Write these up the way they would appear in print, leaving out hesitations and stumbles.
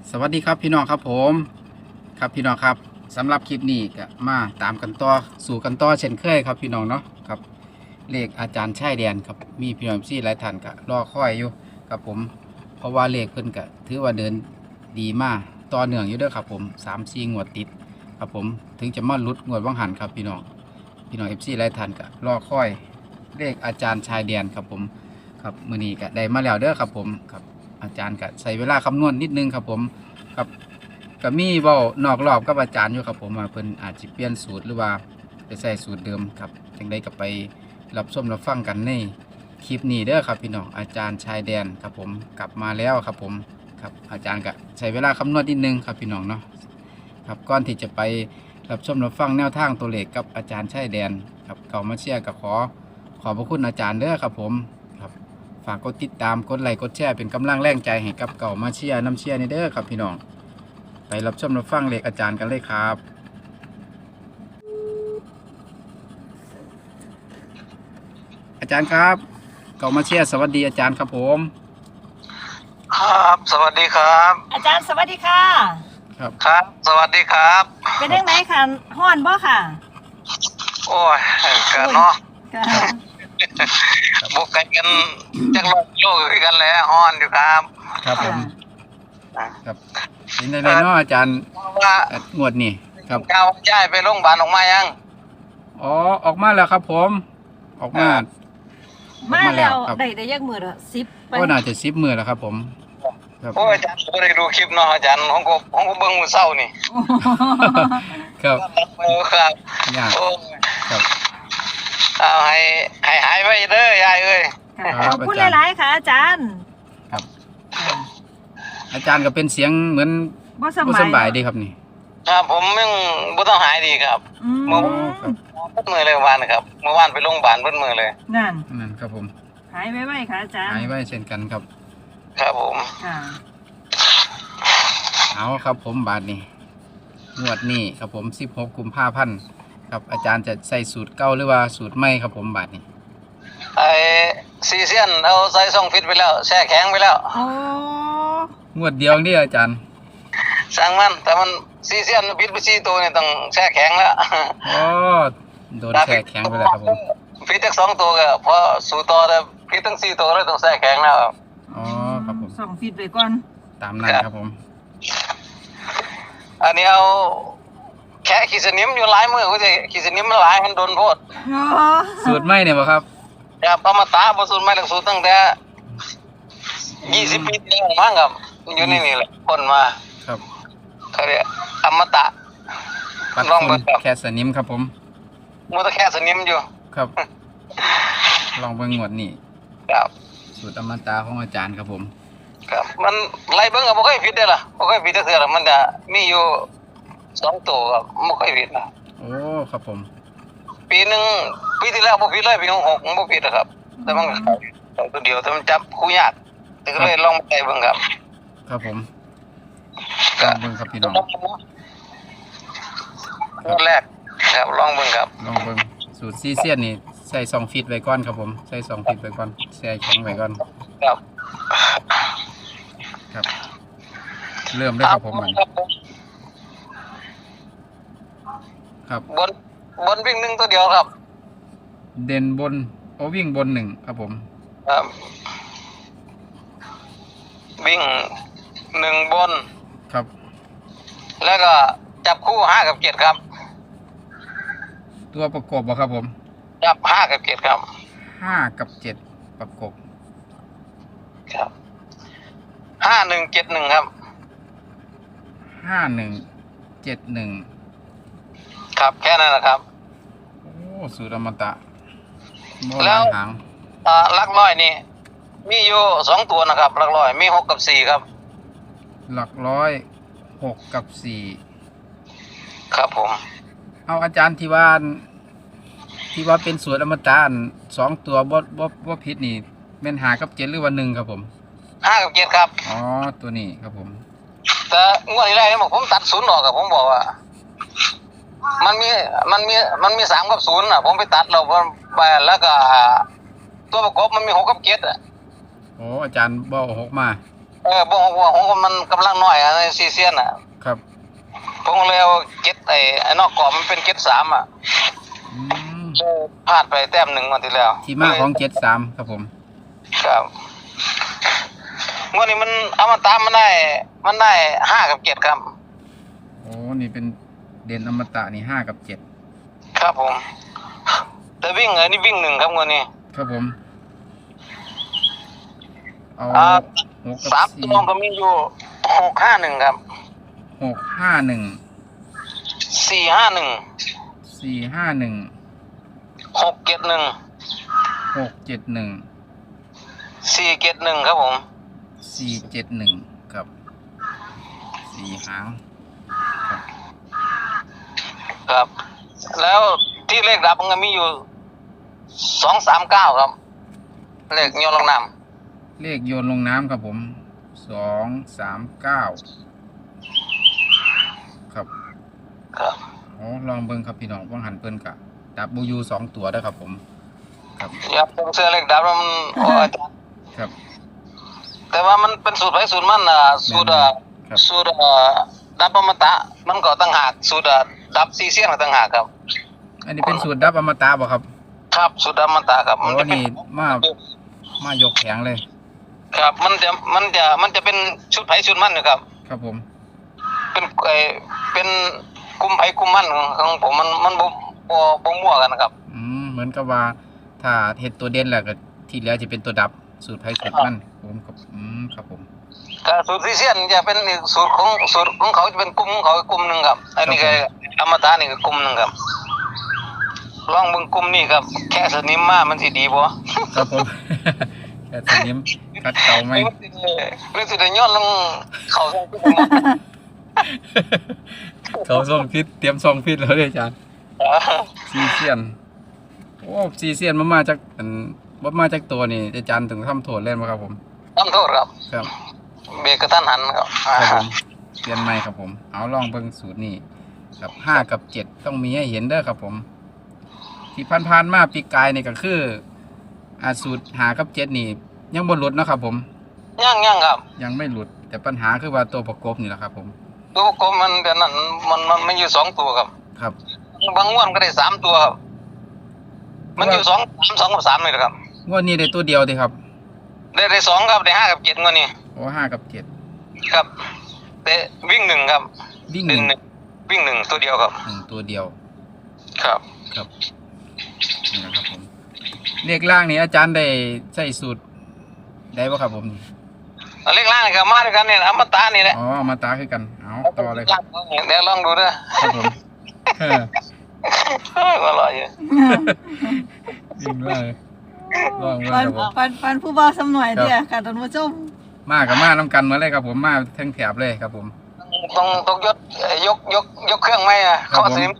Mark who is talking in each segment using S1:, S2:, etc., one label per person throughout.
S1: สวัสดีครับพี่น้องครับผมครับพี่น้องครับสำหรับคลิปนี้ก็มาตามกันต่อสู่กันต่อเช่นเคยครับพี่น้องเนาะครับเลขอาจารย์ชายแดนครับมีพี่น้องซี่หลายท่านก็รอคอยอยู่ครับผมเพราะว่าเลขเพิ่นก็ถือว่าเดินดีมากต่อเนื่องอยู่เด้อครับผม3-4งวดติดครับผมถึงจะมาหลุดงวดว่างหันครับพี่น้องFC หลายท่านก็รอคอยเลขอาจารย์ชายแดนครับผมครับมื้อนี้ก็ได้มาแล้วเด้อครับผมครับอาจารย์ก็ใช้เวลาคำนวณนิดนึงครับผมครับ ก็มีเว้านอกรอบกับอาจารย์อยู่ครับผมว่าเพิ่นอาจจะเปลี่ยนสูตรหรือว่าไปใส่สูตรเดิมครับจังได้ก็ไปรับชมรับฟังกันในคลิปนี้เด้อครับพี่น้องอาจารย์ชายแดนครับผมกลับมาแล้วครับผมครับอาจารย์ก็ใช้เวลาคำนวณนิดนึงครับพี่น้องเนาะครับก่อนที่จะไปรับชมรับฟังแนวทางตัวเลขกับอาจารย์ชายแดนครับเก่ามาเชียร์ก็ขอบพระคุณอาจารย์เด้อครับผมครับฝากกดติดตามกดไลค์กดแชร์เป็นกำลังแรงใจให้กับเก่ามาเชียร์น้ำเชียร์นี่เด้อครับพี่น้องไปรับชมรับฟังเลขอาจารย์กันเลยครับอาจารย์ครับเก่ามาเชียร์สวัสดีอาจารย์ครับผม
S2: ครับสวัสดีครับ
S3: อาจารย์สวัสดีค่ะ
S1: ครับ
S2: ครับ สวัสดีครับ
S3: เป็นยังไงค่ะฮ้อนบ่ค่ะ
S2: โอ้ยกันเนาะ
S3: ค่ะ
S2: บุกกันจักรโลกคือกันแหล้วฮ้อนอยู่ครับ
S1: ครับผมครับเป็นไงเนาะอาจารย์
S2: ว่า
S1: งวดนี่ครับ
S2: เก้าย้ายไปโรงพยาบาลออกมายัง
S1: อ๋อออกมาแล้วครับผมออกมา
S3: มาแล้ว
S1: ครับ
S3: ได้ยักมือละ10ไป
S1: ก็น่าจะ10 มื้อแล้วครับผมครับ
S2: โอ้ยอาจารย์ก็ได้ดูคลิปเนาะอาจารย์ของก็เบิ่งมื้อเช้านี่
S1: ครับ
S2: โอ้ครับ
S1: ยาก
S2: โอ้ย
S1: ครับ
S2: เอาให้หายไว้เด้อยายเอ้ย
S3: ค่ะ
S1: ครับ
S3: ขอบคุณ
S1: อาจารย์
S3: หลายๆค่ะ อาจารย์
S1: ครับอาจารย์ก็เป็นเสียงเหมือน
S3: บ่ส
S1: บ่
S3: บาย
S1: สำบายดีครับนี่
S2: ครับผมยังบ่ต้องหายดีครับ
S3: อืม
S1: อ๋อครับ
S2: เพิ่นมือเลยเมื่อวานนะครับเมื่อวานไปโรงพยาบาลเพิ่นมือเลย
S3: นั่น
S1: นั่นครับผม
S3: หายไว้ๆค่ะอาจารย์
S1: หายไว้เช่นกันครับ
S2: ครับผม
S3: ค่ะ
S1: เอาครับผมบาทนี้งวดนี้ครับผม16 กุมภาพันธ์ครับอาจารย์จะใส่สูตรเก่าหรือว่าสูตรใหม่ครับผมบาทนี้
S2: ไอ้ซีเซียนเอาใส่ซ่องฟิตไปแล้วแช่แข็งไปแล้ว
S3: โอ้
S1: งวดเดียวนี่อาจารย์
S2: สั่งมันแต่มันซีเซียนฟิตไป4ตัวนี่ต้องแช่แข็งแล้ว
S1: อ๋อโดนแช่แข็งไปแล้วครับผม
S2: ฟิตทั้ง2ตัวก็พอสู่ต่อแต่ฟิตทั้ง4ตัวเลยต้องแช่แข็งแล้วครับ
S1: อ๋อครับผม
S3: ส่องฟีดไปก่อน
S1: ตามนั้นครับผม
S2: อันนี้เอาแค่ขีดสนิมอยู่หลายมือก็จะขีดสนิมมันหลายมันโดนโพด
S3: โอ้
S1: สูตรใหม่เนี่ยบ่ครับ
S2: ครับเอามาตาบ่สูตรไม่ต้องสูตรตั้งแต่20 ปีที่แล้วมั้งครับอยู่นี่แหละคนมา
S1: ครับ
S2: เขาเรียกอมตะ
S1: ปัด
S2: ลอง
S1: ฝุ่
S2: เบิ่
S1: น
S2: งครับ
S1: แค่สนิมครับผม
S2: มันก็แค่สนิมอยู่
S1: ครับ ลองเบิ่งงวดนี้
S2: ครับ
S1: สูตรอมตะของอาจารย์ครับผม
S2: ครับมันไล่เบิ่งก็บ่ค่อยผิดเด้อล่ะบ่ค่อยผิดจักเทื่อล่ะมันจะมีอยู่2ตัวครับบ่ค่อยผิดนะ
S1: โอ้ครับผม
S2: ปีหนึงปีที่แล้วบ่ผิดเลยปี66มันบ่ผิดอะครับ แต่มันก็เข้าตัวเดียวแต่มันจับคู่ยากแต่ก็เลยลองมาใส่เบิ่งครับ
S1: ครับผมล
S2: ก็
S1: องเบิ่งครับพี่น้อง
S2: ตัวแรกครับลองเบิ่งครับ
S1: ลองเบิ่งสูตรซีเซียนนี่ใส่2ฟีตไว้ก่อนครับผมใส่2ฟีตไว้ก่อนแช่แข็งไว้ก่อน
S2: ครับ
S1: ครับ เริ่มเลยครับผมมันครับ
S2: บนวิ่งหนึ่งตัวเดียวครับ
S1: เด่นบนโอวิ่งบน1ครับผม
S2: ครับ วิ่ง1บน
S1: ครับ
S2: แล้วก็จับคู่5กับ7ครับ
S1: ตัวประกบบ่ครับผม
S2: จับ5กับ7ครับ
S1: 5 กับ 7 ประกบ
S2: ครับ5171ครับ
S1: 5171
S2: ครับแค่นั้นนะครับ
S1: โอ้สูตรอมตะโบ
S2: แล้
S1: ราว ณหาง
S2: หลักร้อยนี่มีอยู่2ตัวนะครับหลักร้อยมี6กับ4ครับ
S1: หลักร้อย6 กับ
S2: ครับผม
S1: 4เอาอาจารย์ที่ว่าเป็นสูตรอมตะอัน2ตัวบ่ผิดนี่แม่น5 กับ 7หรือว่า1ครับผม
S2: 5กับ7ครับ
S1: อ๋อตัวนี้ครับผม
S2: แต่งวดที่แล้วนี่บอกผมตัด0ออกครับผมบอกว่า มันมี3กับ0น่ะผมไปตัดแล้วก็ตัวประกบมันมี6กับ7อ่ะ
S1: โอ้อาจารย์บ่เอา6มา
S2: บ่6ว่าของมันกำลังน้อยในซีเซียนน่ะ
S1: ครับ
S2: ผมก็เลยเอาเจ็ดไอ้นอกกรอบมันเป็น73อ่ะ
S1: อืม
S2: พลาดไปแต้มหนึ่งวันที่แล้ว
S1: ที่มาของ73ครับผม
S2: ครับงวดนี้มันเอามาตามมันได้5กับ7ครับ
S1: โอ้นี่เป็นเด่นอมตะนี่5กับ7
S2: ครับผม แต่วิ่งนี่วิ่ง1ครับงวดนี้
S1: ครับผมเอา
S2: อ่า
S1: 6กับ
S2: สามตัวก็มีอยู่651ครับ
S1: 4
S2: 451
S1: 451
S2: 671
S1: 671
S2: 471ครับผม
S1: 471ครับ4หาง
S2: ครับ แล้วที่เลขดับมันก็มีอยู่239ครับ เลขโยนลงน้
S1: เลขโยนลงน้ำครับผม239ครับ
S2: ำครับ
S1: อ๋อลองเบิ่งครับพี่น้องว่างหันเพิ่นกะดับบูยู2ตัวเด้อครับผมครับ
S2: อย่าผมเสื้อเลขดับแล้วมันโอ้ย
S1: ครับ
S2: แต่ว่ามันเป็นสูตรไผสูตรมันสูตร
S1: ครับ
S2: สูตรดับอมตะมันก็ต่างหากสูตรดับซีเซียนก็ต่างหากครับ
S1: อันนี้เป็นสูตรดับอมตะบ่ครับ
S2: ครับสูตรดับอมตะครับ
S1: โอ้
S2: จะเป็น
S1: นี่มายกแข็งเลย
S2: ครับมันจะเป็นชุดไผชุดมันนะครับ
S1: ครับผม
S2: เป็นเป็นกลุ่มไผกลุ่มมันของผมมันบ่มั่วกันนะครับ
S1: เหมือนกับว่าถ้าเฮ็ดตัวเด่นแล้วก็ที่เหลือจะเป็นตัวดับสูตรไผสูตรมันผมครับครับผม
S2: ก็สูตรซีเซียนจะเป็นอีกสูตรของเขาจะเป็นกลุ่มของเขาอีกกลุ่มหนึงครับ อันนี้ก็อมตะนี่ก็กลุ่มหนึงครับลองเบิ่งกลุ่มนี้ครับ แค่สนิมมามันสิดีบ่
S1: ครับผม แค่สนิมคัดเก่าไหม
S2: หรือสิได้ย้อนลงเขาส่งขึ้นมา
S1: เขาส่งพิษเตรียมส่งพิษแล้วเลยอาจารย์ซีเซียนโอ้ซีเซียนมาจากบ่มาจากตัวนี่อาจารย์ถึงทำโทษเล่นบ่ครับผม
S2: ทำโทษครับ
S1: ครับ
S2: เบรกกระทันหันครับ
S1: ครับผมเปลี่ยนใหม่ครับผมเอาลองเบิ่งสูตรนี้ครับ5กับ7ต้องมีให้เห็นเด้อครับผม ที่ผ่านๆมาปีกายนี่ก็คือสูตร5กับ7นี่ยังบ่หลุดเนาะครับผม
S2: ยังครับ
S1: ยังไม่หลุดแต่ปัญหาคือว่าตัวประกบนี่แหละครับผม
S2: ตัวกลมมันเดี๋ยวนั้นมันมีอยู่2ตัวครับ
S1: ครับ
S2: บางงวดก็ได้3ตัวครับมันอยู่2กับ3นี่แหละครับ
S1: งวดนี้ได้ตัวเดียวดิครับ
S2: ได้2ครับได้5กับ7งวดนี้
S1: โอ้5กับ7
S2: ครับแต่วิ่ง1ครับ
S1: วิ่ง
S2: วิ่ง
S1: 1
S2: 1วิ่ง1ตัวเดียวครับ
S1: ตัวเดียว
S2: ครับ
S1: ครับนี่นะครับผมเลขล่างนี่อาจารย์ได้ใส่สูตรได้บ่ครับผม
S2: เลขล่างนี่ครับมาด้วยกันนี่อมตะนี่แหละ
S1: อ๋อมาตาคือกันเอาต่อเลย
S2: เดี๋ยวลองดูเด้อ
S1: ครับผมเออ
S2: อร่อยอยู่
S1: วิ่งเลยลองเลย
S3: ปั
S1: คน รับผม
S3: ปันผู้บ่าวสำหน่อยเดียวค่ะท่านผู้ชม
S1: มากับมาน้ำกันมาเลยครับผมมาทั้งแถบเลยครับผม
S2: ต้องยกเครื่องไหม
S1: ครับผม
S2: เข้าสิ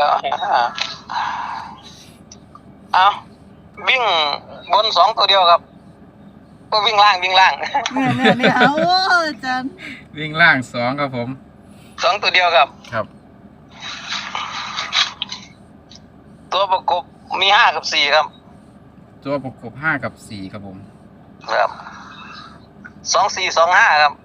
S2: เอาวิ่งบน2ตัวเดียวครับก็วิ่งล่าง
S3: เนี่ยเอาอาจารย์
S1: วิ่งล่าง2ครับผม
S2: 2ตัวเดียวครับ
S1: ครับ
S2: ตัวประกบมี5กับ4ครับ
S1: ตัวประกบ5กับ4ครับผม
S2: ครับ2425ครับ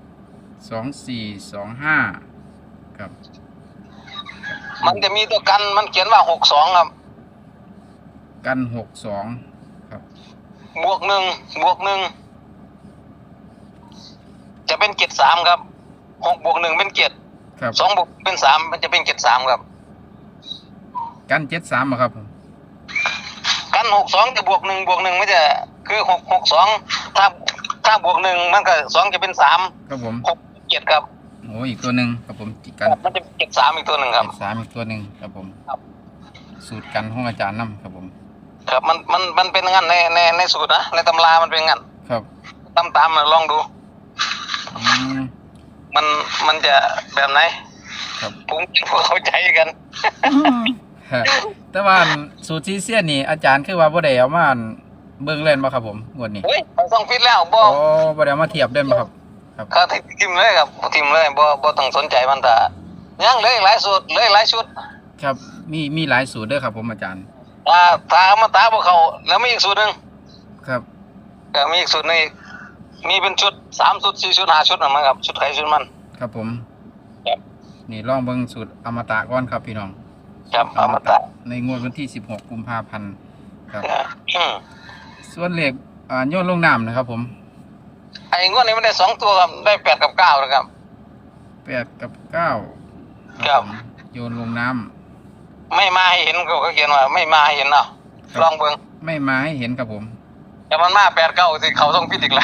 S1: 2425ครับ
S2: มันจะมีตัวกันมันเขียนว่า62ครับ
S1: กัน62ครับ
S2: บวก1จะเป็น73ครับ6บวก1เป็น7
S1: ครับ
S2: 2บวกเป็น3มันจะเป็น73ครับ
S1: กัน73บ่ครับผม
S2: กัน62จะบวก1ไม่จะคือ662ถ้าบวก1มันก็2จะเป็น3
S1: ครับผม
S2: 6 7ครับ
S1: โอ้อีกตัวหนึ่งครับผมกัน
S2: มันจะเป็น73อีกตัวหนึ่งครับ
S1: 73อีกตัวหนึ่งครับผม
S2: ครับ
S1: สูตรกันของอาจารย์นำครับผม
S2: ครับมันเป็นงั้นในสูตรนะในตำรามันเป็นงั้น
S1: ครับ
S2: ตามลองดู
S1: อืม
S2: มันจะแบบไหน
S1: ครับ
S2: ผมพวกเข้าใจกัน
S1: ฮะแต่ว่าสูตรซีเซียนนี่อาจารย์คือว่าบ่ได้เอามาเบิ่งเล่นบ่ครับผมงวดนี้
S2: เฮ้ยต้องฟิตแล้วบ่
S1: โอ้บ่ได้เอามาเทียบเล่นบ่ครับ
S2: เขาทิมเลยครับทิมเลยบ่ต้องสนใจมันแต่ยังเหลยหลายสูตรเหลยหลายชุด
S1: ครับมีหลายสูตรเด้อครับผมอาจารย์
S2: ถ้ามาตาบ่เขาแล้วมีอีกสูตรหนึง
S1: ครับ
S2: ก็มีอีกสูตรหนึงมีเป็นชุด3ชุด4ชุด5ชุดนะมั้งครับชุดไทยชุดมัน
S1: ครับผม
S2: ครับ
S1: นี่ลองเบิ่งสูตรอมตะก่อนครับพี่น้อง
S2: ครับอมตะ
S1: ในงวดวันที่16กุมภาพันธ์ครับ
S2: อืม
S1: ส่วนเลขโยนลงน้ำนะครับผม
S2: ไอ้งวดนี้มันได้2ตัวครับได้8กับ9นะครับ
S1: 8กับ9
S2: ครับ
S1: ผมโยนลงน้ำ
S2: ไม่มาให้เห็นเขาเขียนว่าไม่มาให้เห็นเนาะ
S1: ครับ
S2: ลองเบิ่ง
S1: ไม่มาให้เห็นครับผม
S2: แต่มันมา8 9สิเขาต้องพิดอีกแล้ว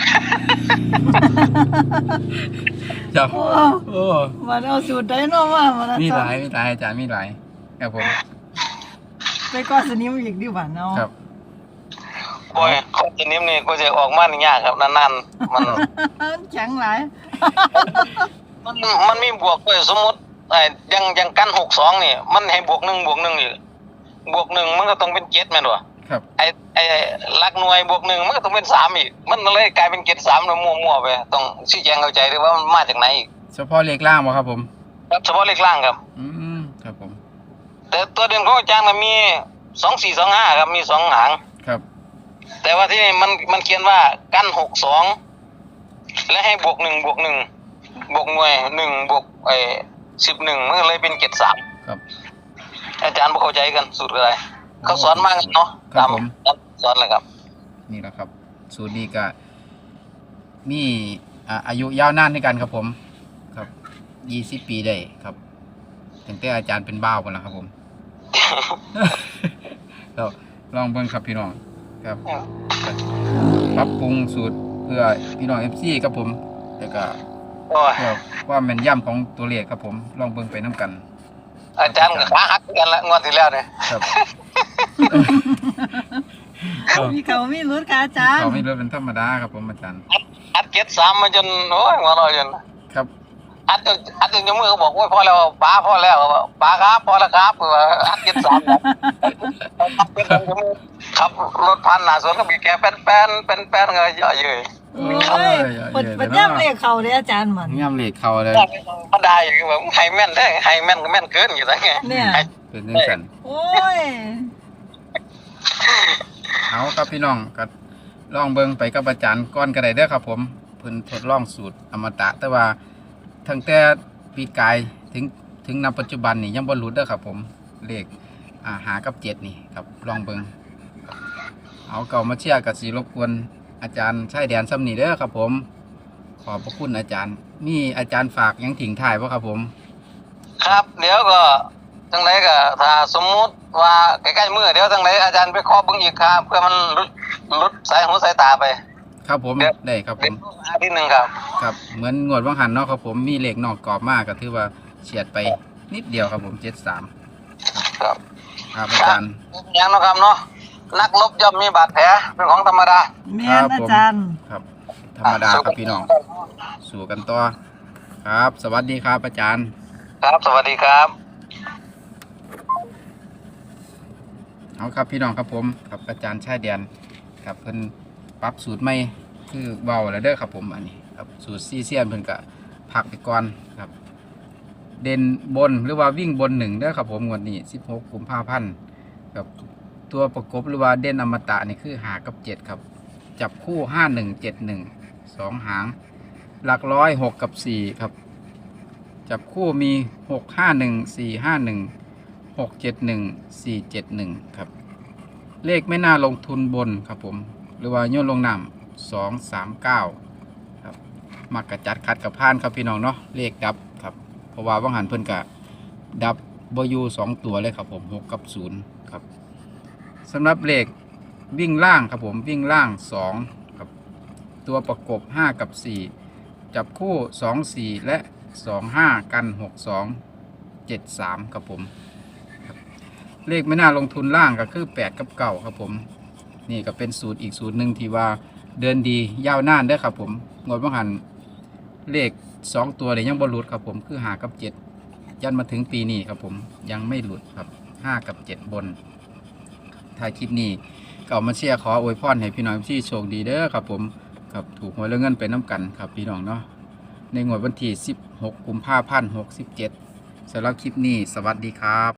S1: ครับ
S3: โอ้
S1: โอ้
S3: มันเอาสูตรไดโนมามัน
S1: มี
S3: อา
S1: ห
S3: จา
S1: ลาร ย
S3: ย์
S1: มีหลายอาจารย์มีหลายครับผม
S3: ไปก้อนสนิมอีกดีกว่าเนาะ
S1: ครับ
S2: โอ้ยคนชนิดนี้ก็จะออกมานี่ยากครับนานๆมัน
S3: แข็งหลาย
S2: มันมีบวกด้วยสมมุติยังกัน62นี่มันให้บวก1บวก1อีกบวก1มันก็ต้องเป็น7แม่นบ่
S1: ครับ
S2: ไอ้หลักหน่วยบวก1มันก็ต้องเป็น3อีกมันเลยกลายเป็น7 3แล้วมั่วๆไปต้องชี้แจงเข้าใจด้วยว่ามันมาจากไหนอีก
S1: เฉพาะเลขล่างบ่ครับผม
S2: ครับเฉพาะเลขล่างครับ
S1: ครับผม
S2: แต่ตัวเด่นของอาจารย์มันมี2425ครับมี2หาง
S1: ครับ
S2: แต่ว่าที่นี่มันเขียนว่ากัน62และให้บวก1บวก1บวกหน่วย1บวก11มันก็เลยเป็น73
S1: ครับ
S2: อาจารย์บ่เข้าใจกันสูตรอะไรเขาสอนมากันเนาะ
S1: ครับผม
S2: ตามสอนเลยครับ
S1: นี่แหละครับ สูตรนี้ก็มีอายุยาวนานในกันครับผม ครับ20 ปีได้ครับตั้งแต่อาจารย์เป็นบ้าวกันแล้วครับผม เราลองเบิ่งครับพี่น้องครับปรับปรุงสูตรเพื่อพี่น้อง FC ครับผมแล้วก็
S2: โอ้ย
S1: เพื่อความแม่นยำของตัวเลขครับผมลองเบิ่งไปน้ำกัน
S2: อาจารย์ก็ขาหักกันละงวดที่แล้วเนี่ย
S1: ครับ
S3: มีเขามีรุดค่ะอาจารย์
S1: เขาไม่เลือกเป็นธรรมดาครับผมอาจารย์
S2: อัด73มาจนโอ้ยหัวเราะจน
S1: ครับ
S2: อัดจนยกมือเขาบอกโอ้ยพอแล้วป้าพอแล้วป้าครับพอแล้วครับอัด73ครับอัด73ยกมือขับรถผ่านหน้าสวนก็บีบแกแป้นก็เยอะเยอะ
S3: โอ้ยปัดย่ำเลขเขาเลยอาจารย์เหมือน
S1: ย่ำเลขเขาเลย
S2: มันได้อยู่แบบไฮแม่นได้ไฮแม่นก็แม่นเกินอยู่ได้ไง
S3: เนี่ย
S1: เป็นเรื่องกัน
S3: โอ้ย
S1: เอาครับพี่น้องก็ลองเบิ่งไปกับอาจารย์ก้อนกระไดเด้อครับผมเพิ่นทดลองสูตรอมตะ แต่ว่าทั้งแต่ปีกายถึงณปัจจุบันนี่ยังบ่หลุดเด้อครับผมเลขหากับ7นี่ครับลองเบิ่งเอาเก่ามาเชียร์กับสีรบกวนอาจารย์ชายแดนซ้ำนี่เด้อครับผม ขอบพระคุณอาจารย์มีอาจารย์ฝากหยังถิงถ่ายบ่ครับผม
S2: ครับ เดี๋ยวก็จังไรก็ถ้าสมมุติว่าใกล้ๆมือเดี๋ยวจังไรอาจารย์ไปขอเบิ่งอีกครับเพื่อมันลุดสายหูสายตาไป
S1: ครับผมได้ครับผ
S2: เป็น
S1: ม
S2: อาทิตย์หนึงครับ
S1: ครับเหมือนงวดว่างหันเนาะครับผมมีเลขนอกกรอบมากก็ถือว่าเฉียดไปนิดเดียวครับผม73
S2: ครับ
S1: ครับอาจารย์
S2: อย่างเนาะครับเนาะนักรบย่อมมีบาดแผลเป็นของธรรมดา
S3: แม่นอาจารย์
S1: ครับ ธรรมดาครับพี่น้อง สู่กันต่อครับ สวัสดีครับอาจารย์
S2: ครับสวัสดีครับ
S1: เอาครับพี่น้องครับผมครับอาจารย์ชายแดนครับเพิ่นปรับสูตรใหม่คือเบาแล้วเด้อครับผมอันนี้ครับสูตรซีเซียนเพิ่นก็พักไปก่อนครับ เด่นบนหรือว่าวิ่งบน1เด้อครับผมงวดนี้16กุมภาพันธ์ครับตัวประกบหรือว่าเด่นอมตะนี่คือ5กับ7ครับจับคู่5171 2หางหลักร้อย6กับ4ครับจับคู่มี651 451 671 471ครับเลขไม่น่าลงทุนบนครับผมหรือว่าโยนลงน้ำ239ครับมักกระจัดคัดกับพานครับพี่น้องเนาะเลขดับครับเพราะว่าว่างหันเพิ่นกะดับบยู2ตัวเลยครับผม6กับ0ครับสำหรับเลขวิ่งล่างครับผมวิ่งล่าง2ครับตัวประกบ5กับ4จับคู่2 4และ25กัน62 73ครับผมเลขไม่น่าลงทุนล่างก็คือ8กับ9ครับผมนี่ก็เป็นสูตรอีกสูตรหนึ่งที่ว่าเดินดียาวนานเด้อครับผมงวดว่างหันเลข2ตัวเนี่ยยังบ่หลุดครับผมคือ5กับ7ยันมาถึงปีนี้ครับผมยังไม่หลุดครับ5กับ7บนถ้าคลิปนี้ก็เอามาเชียร์ขออวยพรให้พี่น้องที่โชคดีเด้อครับผมครับถูกหวยแล้วเงินไปน้ำกันครับพี่น้องเนาะในงวดวันที่16กุมภาพันธ์67สำหรับคลิปนี้สวัสดีครับ